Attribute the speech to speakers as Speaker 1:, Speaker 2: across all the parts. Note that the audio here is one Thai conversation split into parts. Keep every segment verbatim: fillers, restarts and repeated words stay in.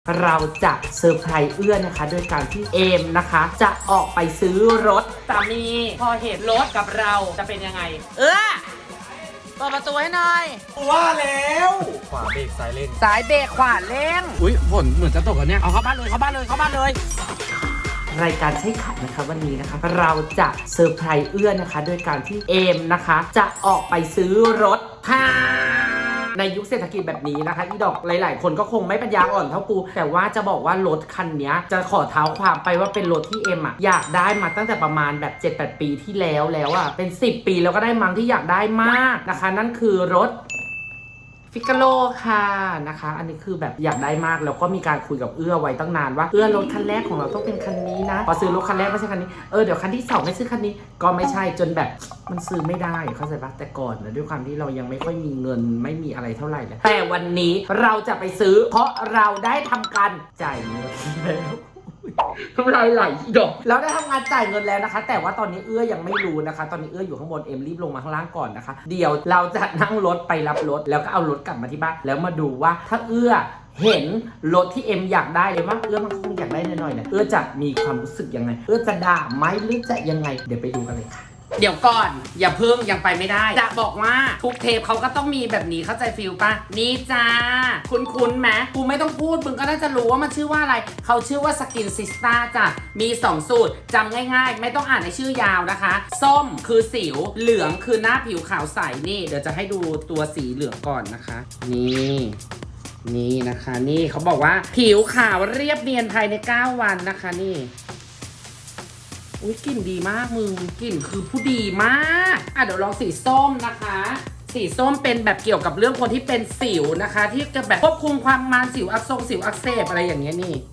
Speaker 1: เราจะเซอร์ไพรส์เอื้อนะคะโดยการที่เอมนะคะจะออกไปซื้อรถสามีพอเห็นรถกับเราจะเป็นยังไงเอื้อเปิดประตูให้หน่อย
Speaker 2: ว่าแล้วขวาเบรกซ้ายเร่ง
Speaker 1: สายเบรกขวาเร่ง
Speaker 2: อุ้ยฝนเหมือนจะตกแล้วเนี่ยเอาเข้าบ้านเลยเข้าบ้านเลยเข้าบ้านเลย
Speaker 1: รายการใช้ขัดนะคะวันนี้นะคะเราจะเซอร์ไพรส์เอื้อนะคะโดยการที่เอมนะคะจะออกไปซื้อรถค่ะในยุคเศรษฐกิจแบบนี้นะคะอีดอกหลายๆคนก็คงไม่ปัญญาอ่อนเท่ากูแต่ว่าจะบอกว่ารถคันนี้จะขอเท้าความไปว่าเป็นรถที่เอ็มอ่ะอยากได้มาตั้งแต่ประมาณแบบ เจ็ดแปด ปีที่แล้วแล้วอ่ะเป็นสิบปีแล้วก็ได้มั้งที่อยากได้มากนะคะนั่นคือรถฟิกาโลค่ะนะคะอันนี้คือแบบอยากได้มากแล้วก็มีการคุยกับเอื้อไว้ตั้งนานว่าเอื้อรถคันแรกของเราต้องเป็นคันนี้นะพอซื้อรถคันแรกไม่ใช่คันนี้เออเดี๋ยวคันที่สองไม่ซื้อคันนี้ก็ไม่ใช่จนแบบมันซื้อไม่ได้เข้าใจปะแต่ก่อนนะด้วยความที่เรายังไม่ค่อยมีเงินไม่มีอะไรเท่าไหร่เลยแต่วันนี้เราจะไปซื้อเพราะเราได้ทำการจ่ายเงินแล้วทำลายไหลดอกเราได้ทำงานจ่ายเงินแล้วนะคะแต่ว่าตอนนี้เอื้อยังไม่รู้นะคะตอนนี้เอื้ออยู่ข้างบนเอ็มรีบลงมาข้างล่างก่อนนะคะเดี๋ยวเราจะนั่งรถไปรับรถแล้วก็เอารถกลับมาที่บ้านแล้วมาดูว่าถ้าเอื้อเห็นรถที่เอ็มอยากได้เลยว่าเอื้อมันคงอยากได้หน่อยๆเนี่ยเอื้อจะมีความรู้สึกยังไงเอื้อจะด่าไหมหรือจะยังไงเดี๋ยวไปดูกันเลยค่ะเดี๋ยวก่อนอย่าเพิ่งยังไปไม่ได้จะบอกว่าทุกเทปเขาก็ต้องมีแบบนี้เข้าใจฟิลป่ะนี่จ้าคุ้นๆไหมกูไม่ต้องพูดมึงก็น่าจะรู้ว่ามันชื่อว่าอะไรเขาชื่อว่าสกินซิสตาจ้ะมีสองสูตรจำง่ายๆไม่ต้องอ่านในชื่อยาวนะคะส้มคือสิวเหลืองคือหน้าผิวขาวใสนี่เดี๋ยวจะให้ดูตัวสีเหลืองก่อนนะคะนี่นี่นะคะนี่เขาบอกว่าผิวขาวเรียบเนียนภายในเก้าวันนะคะนี่อุ้ยกลิ่นดีมากมึงกลิ่นคือผู้ดีมากอ่ะเดี๋ยวลองสีส้มนะคะสีส้มเป็นแบบเกี่ยวกับเรื่องคนที่เป็นสิวนะคะที่จะแบบควบคุมความมันสิวอักเสบสิวอักเสบอะไรอย่างเงี้ยนี่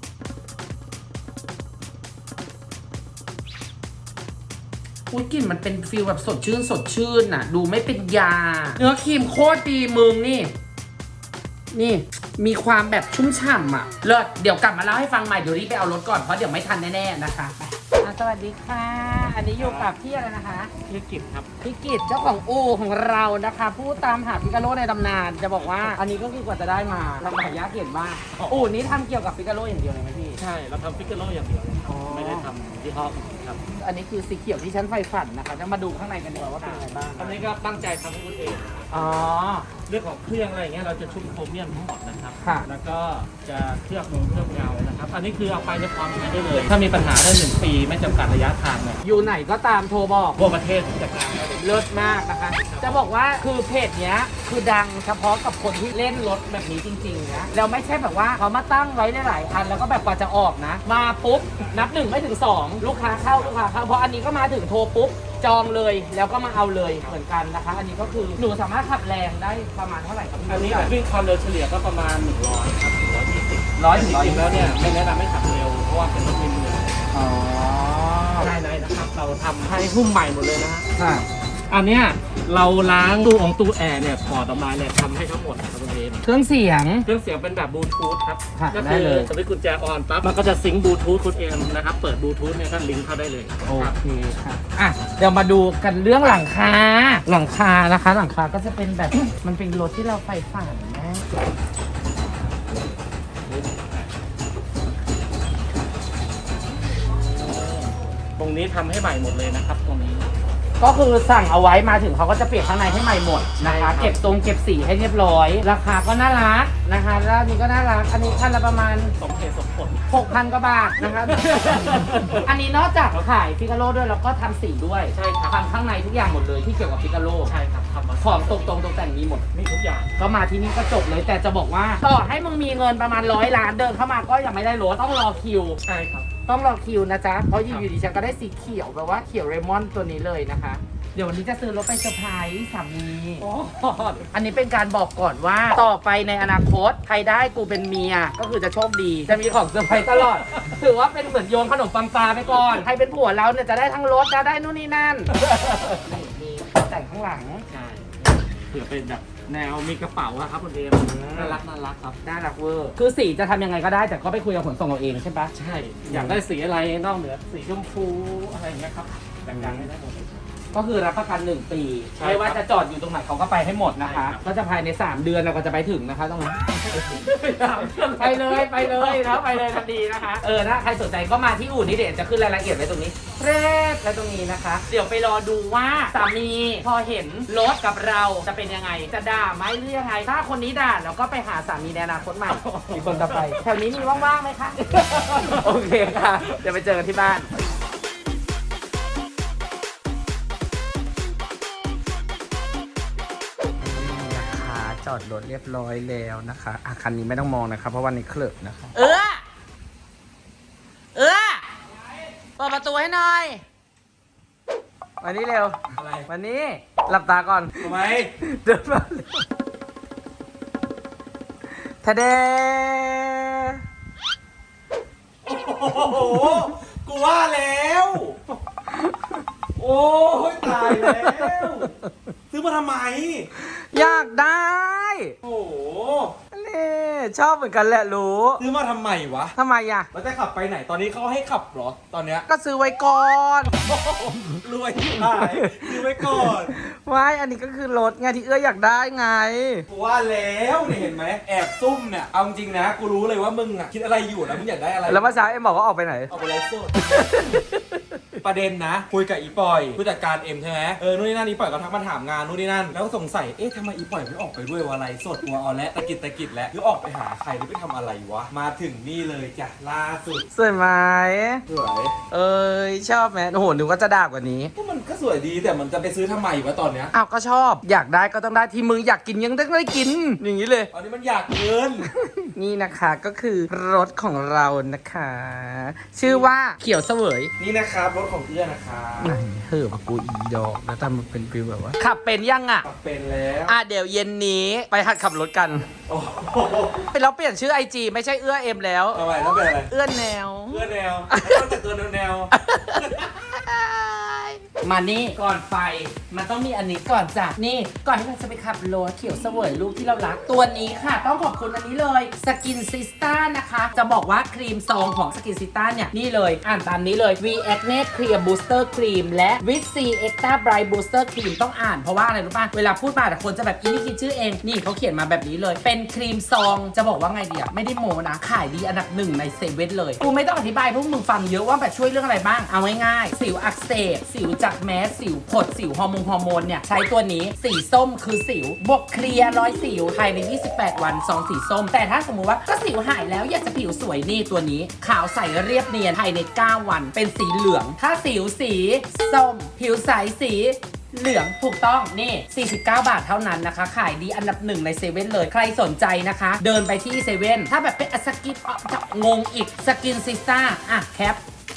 Speaker 1: อุ้ยกลิ่นมันเป็นฟีลแบบสดชื่นสดชื่นน่ะดูไม่เป็นยาเนื้อครีมโคตรดีมึงนี่นี่มีความแบบชุ่มฉ่ำอ่ะเลิศเดี๋ยวกลับมาเล่าให้ฟังใหม่เดี๋ยวรีบไปเอารถก่อนเพราะเดี๋ยวไม่ทันแน่ๆนะคะสวัสดีค่ะอันนี้อยู่กับพี่อะไรนะคะ
Speaker 2: พี่กิจครับ
Speaker 1: พี่กิจเจ้าของอู่ของเรานะคะผู้ตามหาฟิกาโร่ในตำนานจะบอกว่าอันนี้ก็คือกว่าจะได้มาลำบากยากเย็นมากอู่นี้ทำเกี่ยวกับฟิกาโร่อย่างเดียวเลยไหมพี่
Speaker 2: ใช่เราทำฟิกาโร่อย่างเดียวไม่ได้ทำยี่ห้อครับ
Speaker 1: อันนี้คือสีเขียวที่ฉันใฝ่ฝันนะคะจะมาดูข้างในกันดีกว่าว่าเป็นยังไงบ้าง
Speaker 2: อันนี้ก็ตั้งใจทำให้คุณเอง
Speaker 1: อ๋อ
Speaker 2: เรื่องของเครื่องอะไรอย่างเงี้ยเราจะชุบโครเมียมทั้งหมดนะครับ
Speaker 1: ค่ะ
Speaker 2: แล้วก็จะเคลือบลงเคลือบเงานะครับอันนี้คือเอาไปในความใช้ได้เลยถ้ามีปัญหาได้หนึ่งปีไม่จำกัดระยะทางเลย
Speaker 1: อยู่ไหนก็ตามโทรบอก
Speaker 2: ทั่วประเทศจัดการ
Speaker 1: เลิศมากนะคะจะบอกว่าคือเพจเนี้ยคือดังเฉพาะกับคนที่เล่นรถแบบนี้จริงๆนะแล้วไม่ใช่แบบว่าเขามาตั้งไว้หลายๆคันแล้วก็แบบกว่าจะออกนะมาปุ๊บนับหนึ่งไม่ถึงสองลูกค้าเข้าลูกค้าเข้าเพราะอันนี้ก็มาถึงโทรปุ๊บจองเลยแล้วก็มาเอาเลยเหมือนกันนะคะอันนี้ก็คือหนูสามารถขับแรงได้ประมาณเท่าไหร่ครับ
Speaker 2: อันนี้วิ่งความเร็วเฉลี่ยก็ประมาณหนึ่งร้อยครับหนึ่งร้อยยี่สิบ
Speaker 1: ร้อยถึงร้อย
Speaker 2: จริงแล้วเนี่ยไม่แนะนำให้ขับเร็วเพราะว่าเป็นรถมินิ
Speaker 1: อ๋อ
Speaker 2: ภายในนะครับเราทำให้หุ้มใหม่หมดเลยนะ
Speaker 1: ฮะ
Speaker 2: อันเนี้ยเราล้างตู้องตู้แอร์เนี่ยถอดออกมาเนี่ยทำให้ทั้งหมดนะครับคุณเอม
Speaker 1: เครื่องเสียง
Speaker 2: เครื่องเสียงเป็นแบบบลูทูธครับ
Speaker 1: ก็คือ
Speaker 2: สวิตช์กุญแจออนปั๊บมันก็จะซิงค์บลูทูธคุณเอมนะครับเปิดบลูทูธเนี่ยก็ลิงก์เข้าได้เลย
Speaker 1: โอเคค่ะอ่ะเดี๋ยวมาดูกันเรื่องหลังคาหลังคานะคะหลังคาก็จะเป็นแบบ มันเป็นรถที่เราใฝ่ฝันนะ
Speaker 2: ตรงนี้ทำให้ใหม่หมดเลยนะครับตรงนี้
Speaker 1: ก็คือสั่งเอาไว้มาถึงเขาก็จะเปลี่ยนข้างในให้ใหม่หมดนะคะเก็บตรงเก็บสีให้เรียบร้อยราคาก็น่ารักนะคะแล้วนี้ก็น่ารักอันนี้คันละประมาณ
Speaker 2: สมเหตุสมผล
Speaker 1: หกพัน กว่าบาทนะคะ อันนี้นอกจากขายฟิกาโร่ด้วยแล้วก็ทำสีด้วย
Speaker 2: ใช่ครับ
Speaker 1: ทำข้างในทุกอย่างหมดเลยที่เกี่ยวกับฟิกาโร่
Speaker 2: ใช่ครับทำมา
Speaker 1: ของตกตรงตกแต่งมีหมด
Speaker 2: มีทุกอย่าง
Speaker 1: ก็มาที่นี่ก็จบเลยแต่จะบอกว่าต่อให้มึงมีเงินประมาณร้อยล้านเดินเข้ามาก็ยังไม่ได้รถต้องรอคิว
Speaker 2: ใช่ครับ
Speaker 1: ต้องรอคิวนะจ๊ะเพราะอยู่ดีฉันก็ได้สีเขียวแบบว่าเขียวเรมอนตัวนี้เลยนะคะเดี๋ยววันนี้จะซื้อรถไปเซอร์ไพรส์สามีอันนี้เป็นการบอกก่อนว่าต่อไปในอนาคตใครได้กูเป็นเมียก็คือจะโชคดีจะมีของเซอร์ไพรส์ตลอดถือว่าเป็นเหมือนโยนขนมปังปลาไปก่อนใครเป็นผัวเราเนี่ยจะได้ทั้งรถจะได้นู่นนี่นั่นนี่แต่งข้างหลัง
Speaker 2: ใช่เผื่อเป็นแบบแนวมีกระเป๋าครับคุณเอมน่ารักน่ารักครับ
Speaker 1: น่ารักเวอร์คือสีจะทำยังไงก็ได้แต่ก็ไปคุยกับขนส่งเราเองใช่ปะ
Speaker 2: ใช่อยากได้สีอะไรนอกเหนือสีชมพูอะไรอย่างเงี้ยครับแต่งๆให้ได้หมด
Speaker 1: ก็คือรับประกันหนึ่งปี
Speaker 2: ใช่
Speaker 1: ไม่ว่า
Speaker 2: ครับ
Speaker 1: จะจอดอยู่ตรงไหนเขาก็ไปให้หมดนะคะ
Speaker 2: ใช่ครับ
Speaker 1: ก็จะภายในสามเดือนเราก็จะไปถึงนะคะตรงนั้น ไปเลยไปเลยแล้วไปเลยทันทีนะคะ เออถ้าใครสนใจก็มาที่อู่นี้เดี๋ยวจะขึ้นรายละเอียดไว้ตรงนี้เรดและตรงนี้นะคะ เดี๋ยวไปรอดูว่าสามีพอเห็นรถกับเราจะเป็นยังไง จะด่าไหมหรือยังไง ถ้าคนนี้ด่าเราก็ไปหาสามีในอนาคตใหม่ มีคนต่อไปแถวนี้มีว่างๆไหมคะ โอเคค่ะเดี๋ยวไปเจอกันที่บ้าน นะคะจอดรถเรียบร้อยแล้วนะคะอ่ะคันนี้ไม่ต้องมองนะคะเพราะวันนี้เคลิบนะคะเออเออเปิดประตูให้หน่อยวันนี้เร็ว
Speaker 2: อะไร
Speaker 1: วันนี้หลับตาก่อน
Speaker 2: ทำไม
Speaker 1: เดินมาเร็วทะเด
Speaker 2: โอ้โหกูว่าแล้ว โอ้ยตายแล้ว ซื้อมาทำไม
Speaker 1: อยากได้
Speaker 2: โอ้โห
Speaker 1: นี่ชอบเหมือนกันแหละรู้
Speaker 2: ซื้อมาทำไมวะ
Speaker 1: ทำไมอ่ะ
Speaker 2: เราจะขับไปไหนตอนนี้เขาให้ขับเหรอตอนเนี้ย
Speaker 1: ก็ซื้อไว้ก่อน
Speaker 2: รวยที่ไหนซื้อไว้ก่อน
Speaker 1: ว้ายอันนี้ก็คือรถไงที่เอื้ออยากได้ไง
Speaker 2: กูว่าแล้วเนี่ยเห็นไหมแอบซุ่มเนี่ยเอาจริงนะกูรู้เลยว่ามึงอ่ะคิดอะไรอยู่นะมึงอยากได้อะไร
Speaker 1: แล้วเมื่อเช้าเอ็มบอกว่าออกไปไหน
Speaker 2: เอาไปไลฟ์สด ประเด็นนะคุยกับอีปอยผู้จัดการเอ็มใช่ไหมเออนู่นนี่นั่นอีปอยก็ทักมาถามงานนู่นนี่นั่นแล้วก็สงสัยเอ๊ะทำไมอีปอยไม่ออกไปด้วยวะไลฟ์สดตัวเอาและตะกิดตะกิดแล้วหรือออกไปหาใครหรือไปทำอะไรวะมาถึงนี่เลยจ้ะล่าสุด
Speaker 1: สวยไหม
Speaker 2: สวย
Speaker 1: เอ้ยชอบไหมโอ้โหนึกว่าจะด่ากว่านี้
Speaker 2: ก็มันก็สวยดีแต่มันจะไปซื้อทำไมวะตอนเนี้ย
Speaker 1: อ้าวก็ชอบ อยากได้ก็ต้องได้ที่มืออยากกินยังต้องได้กิน อย่างนี้เลย
Speaker 2: ตอนนี้มันอยากเกิน
Speaker 1: นี่นะคะก็คือรถของเรานะคะ ชื่อว่าเขียวเสวย
Speaker 2: นี่นะครับรถของเอื้อนะครับ
Speaker 1: ไหนเฮ้อมากูอีดอกแล้วทำมันเป็นฟิลแบบว่าขับเป็นยังอ่ะ
Speaker 2: ขับเป็นแล้ว
Speaker 1: อ่ะเดี๋ยวเย็นนี้ไปหัดขับรถกัน
Speaker 2: โอ้โห
Speaker 1: เราเปลี่ยนชื่อไอจีไม่ใช่เอื้อเอ็มแล้ว
Speaker 2: ทำไมต้องเป็นอะไร
Speaker 1: เอื้อแนว
Speaker 2: เอื้อแนวต้องแต่ตัวแนวแนว
Speaker 1: มานี่ก่อนไปมันต้องมีอันนี้ก่อนจ้ะนี่ก่อนที่เราจะไปขับรถเขียวเสวยลูกที่เรารักตัวนี้ค่ะ ต้องขอบคุณอันนี้เลยสกินซิสต้านะคะ จะบอกว่าครีมซองของสกินซิสต้าเนี่ย นี่เลยอ่านตามนี้เลย V Acne Clear Booster Cream และ With C Extra Bright Booster Cream ต้องอ่านเพราะว่าอะไรรู้ป่ะเวลาพูดมาแต่คนจะแบบอีนี่คิดชื่อเองนี่เขาเขียนมาแบบนี้เลยเป็นครีมซองจะบอกว่าไงดีอะไม่ได้โมนะขายดีอันดับหนึ่งในเซเว่นเลยกูไม่ต้องอธิบายพวกมึงฟังเยอะว่าแบบช่วยเรื่องอะไรบ้างเอาง่ายๆสิวอักเสบสิวจากแมสสิวผดสิวฮอร์โมนฮอร์โมนเนี่ยใช้ตัวนี้สีส้มคือสิวบวกเคลียร์ร้อยสิวภายในยี่สิบแปดวันซองสีส้มแต่ถ้าสมมุติว่าก็สิวหายแล้วอยากจะผิวสวยนี่ตัวนี้ขาวใสเรียบเนียนภายในเก้าวันเป็นสีเหลืองถ้าสิวสีส้มผิวใสสีเหลืองถูกต้องนี่สี่สิบเก้าบาทเท่านั้นนะคะขายดีอันดับหนึ่งในเซเว่นเลยใครสนใจนะคะ เดินไปที่เซเว่นถ้าแบบเป็นสกินอ๋อจะงงอีกสกินซิสต้าอ่ะแคป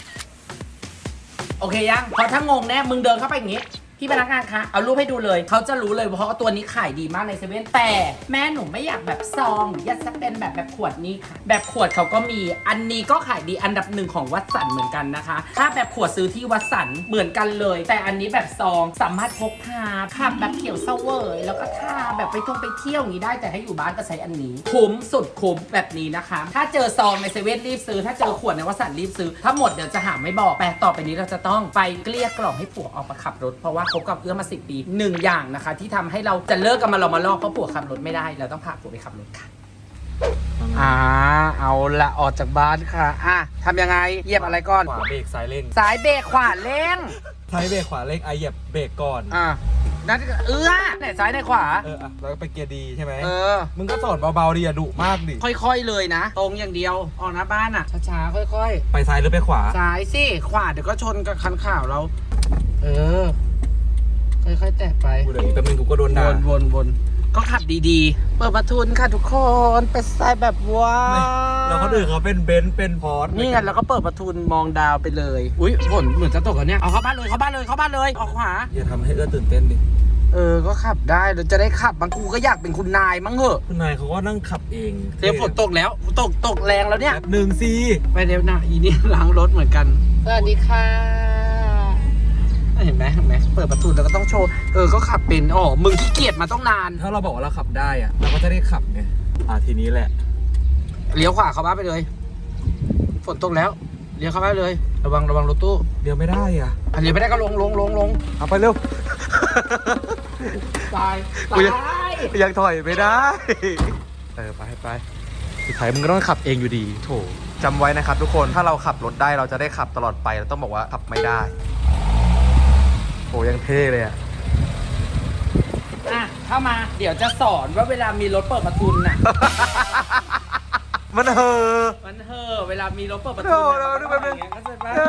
Speaker 1: โอเคยังเพราะถ้างงแน่มึงเดินเข้าไปอย่างงี้พี่พนักงานคะเอารูปให้ดูเลยเขาจะรู้เลยเพราะว่าตัวนี้ขายดีมากในเซเว่นแต่แม่หนูไม่อยากแบบซองหรืออยากจะเป็นแบบแบบขวดนี้ค่ะแบบขวดเขาก็มีอันนี้ก็ขายดีอันดับหนึ่งของวัดสันเหมือนกันนะคะถ้าแบบขวดซื้อที่วัดสันเหมือนกันเลยแต่อันนี้แบบซองสามารถพกพาขับแบบเขียวเสวยแล้วก็ทาแบบไปท่องไปเที่ยวอย่างนี้ได้แต่ถ้าอยู่บ้านก็ใช้อันนี้คุ้มสุดคุ้มแบบนี้นะคะถ้าเจอซองในเซเว่นรีบซื้อถ้าเจอขวดในวัดสันรีบซื้อถ้าหมดเดี๋ยวจะหาไม่บอกแต่ต่อไปนี้เราจะต้องไปเกลี้ยกล่อมให้ผัวออกมาขับรถเพราะว่าคบกับเอื้อมาสิบปีหนึ่งอย่างนะคะที่ทำให้เราจะเลิกกันมาเรามาลอกเพราะผัวขับรถไม่ได้เราต้องพาผัวไปขับรถค่ะอ่าเอาละออกจากบ้านค่ะอ่ะทำยังไงเหยียบอะไรก่อน
Speaker 2: ขวาเบรกซ้ายเร่ง
Speaker 1: ซ้ายเบรกขวาเร่ง
Speaker 2: ซ้ายเบรกขวาเร่งไอะเหยียบเบรกก่อน
Speaker 1: อ่ะนั่นเอื้อไหนซ้ายไหนขวา
Speaker 2: เอออ่ะแล้วก็ไปเกียร์ดีใช่ไหม
Speaker 1: เออ
Speaker 2: มึงก็สอนเบาๆดิอย่าดุมากดิ
Speaker 1: ค่อยๆเลยนะ ตรงอย่างเดียวออกหน้าบ้านอ่ะช้าๆค่อย
Speaker 2: ไปซ้ายหรือไปขวา
Speaker 1: ๆซ้ายสิขวาเดี๋ยวก็ชนกับคันข่าวเราเออค่อยๆแตะไป
Speaker 2: กูเดี๋ยวอีกแป๊บนึงกูก็โดน
Speaker 1: ว
Speaker 2: ด่าน
Speaker 1: วนวนก็ขับดีๆ เปิดประทุนค่ะทุกคนเป็นสไตล์แบบว้า
Speaker 2: แล้วคนอื่นเขาเป็นเบนซ์เป็นพอร์ต
Speaker 1: นี่ไงแล้วก็เปิดประทุนมองดาวไปเลย อุ้ยฝนเหมือนจะตกแล้วเนี่ยเอาเข้าบ้านเลยเข้าบ้านเลยเข้าบ้านเลยออกขวา
Speaker 2: อย่าทำให้เอื้อตื่นเต้นดิ
Speaker 1: เออก็ขับได้เราจะได้ขับบางกูก็อยากเป็นคุณนายมั้งเหอะ
Speaker 2: คุณนายเขาก็นั่งขับเอง
Speaker 1: เดี๋ยวฝนตกแล้วตกตกแรงแล้วเนี่ย
Speaker 2: แป๊บหนึ่งซี
Speaker 1: ไปเร็วนะอีนี่ล้างรถเหมือนกันสวัสดีค่ะเห็นไหมเห็นไหมเปิดประตูแล้วก็ต้องโชว์เออก็ขับเป็นอ๋อมึงขี้เกียจมาต้องนาน
Speaker 2: ถ้าเราบอกว่าเราขับได้อะเราก็จะได้ขับไงอ่าทีนี้แหละ
Speaker 1: เลี้ยวขวาเข้าบ้านไปเลย ฝนตกแล้วเลี้ยวเข้าบ้านเลย
Speaker 3: ระวังระวังรถตู้
Speaker 2: เดี๋ยวไม่ได้อ่ะ
Speaker 3: อันนี้ไม่ได้ก็ลงลงลงลง
Speaker 2: เอาไปเร็ว
Speaker 1: ตาย
Speaker 2: กูยัง
Speaker 1: ตาย
Speaker 2: ยังถอยไม่ได้ เออไปไปสุดท้ายมึงก็ต้องขับเองอยู่ดีโถจำไว้นะครับทุกคนถ้าเราขับรถได้เราจะได้ขับตลอดไปเราต้องบอกว่าขับไม่ได้โหยังเท่เลยอ่ะ
Speaker 1: อ่ะเข้ามาเดี๋ยวจะสอนว่าเวลามีรถเปิดประทุนน่ะ
Speaker 2: มันเฮอ
Speaker 1: มันเถอะเวลามีรถเปิดประ
Speaker 2: โธ่
Speaker 1: ทุน
Speaker 2: เรา
Speaker 1: น่ะ
Speaker 2: ดู
Speaker 1: มัน
Speaker 2: แป๊
Speaker 1: ต้อบ ง
Speaker 2: นึ
Speaker 1: ทำอง ย่างเงี้ยเข้าใจปะ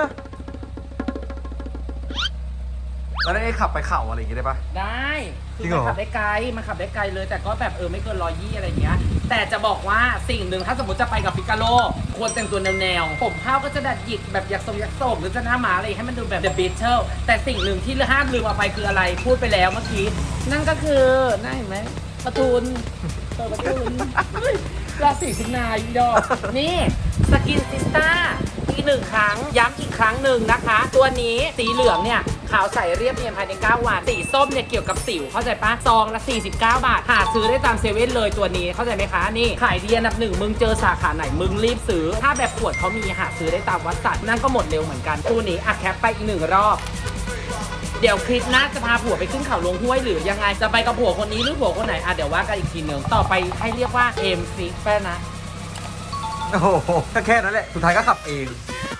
Speaker 2: แล้วได้ขับไปเข่าอะไรอย่างงี้ได้ปะ
Speaker 1: ได้คื
Speaker 2: จริ
Speaker 1: อง
Speaker 2: เหร
Speaker 1: มั
Speaker 2: อ
Speaker 1: นขับได้ไกลมันขับได้ไกลเลย แต่ก็แบบเออไม่เกินร้อยยี่อะไรเงี้ย แต่จะบอกว่าสิ่งหนึ่งถ้าสมมติจะไปกับฟิกาโลควรแต่งตัวแนวๆผมเผ้าก็จะดัดหยิกแบบยักษ์ทรงยักษ์โศกหรือจะหน้าหมาอะไรให้มันดูแบบ The Beatles แต่สิ่งหนึ่งที่ห้ามลืมเอาไปคืออะไรพูดไปแล้วเมื่อกี้นั่นก็คือน่าเห็นไหมประทุนเปิดประทุนราศีสิงห์นายดอกนี่สกินซิสต้าอีกหนึ่งครั้งย้ำอีกครั้งหนึ่งนะคะ ตัวนี้สีเหลืองเนี่ยขาวใสเรียบเนียนภายในเก้าวันสีส้มเนี่ยเกี่ยวกับสิวเข้าใจปะซองละสี่สิบเก้าบาทหาซื้อได้ตามเซเว่นเลยตัวนี้เข้าใจไหมคะนี่ขายดีอันดับหนึ่งมึงเจอสาขาไหนมึงรีบซื้อถ้าแบบขวดเขามีหาซื้อได้ตามวัดสัตว์นั่นก็หมดเร็วเหมือนกันตัวนี้อะแคปไปอีกหนึ่งรอบเดี๋ยวคลิปหน้าจะพาผัวไปขึ้นเขาลงห้วยหรือยังไงจะไปกับผัวคนนี้หรือผัวคนไหนอ่ะเดี๋ยวว่ากันอีกทีหนึ่งต่อไปให้เรียกว่าเอ็มซิกแป้นะ
Speaker 2: โอ้โหก็แค่นั้นแหละสุดท้ายก็ขับเอง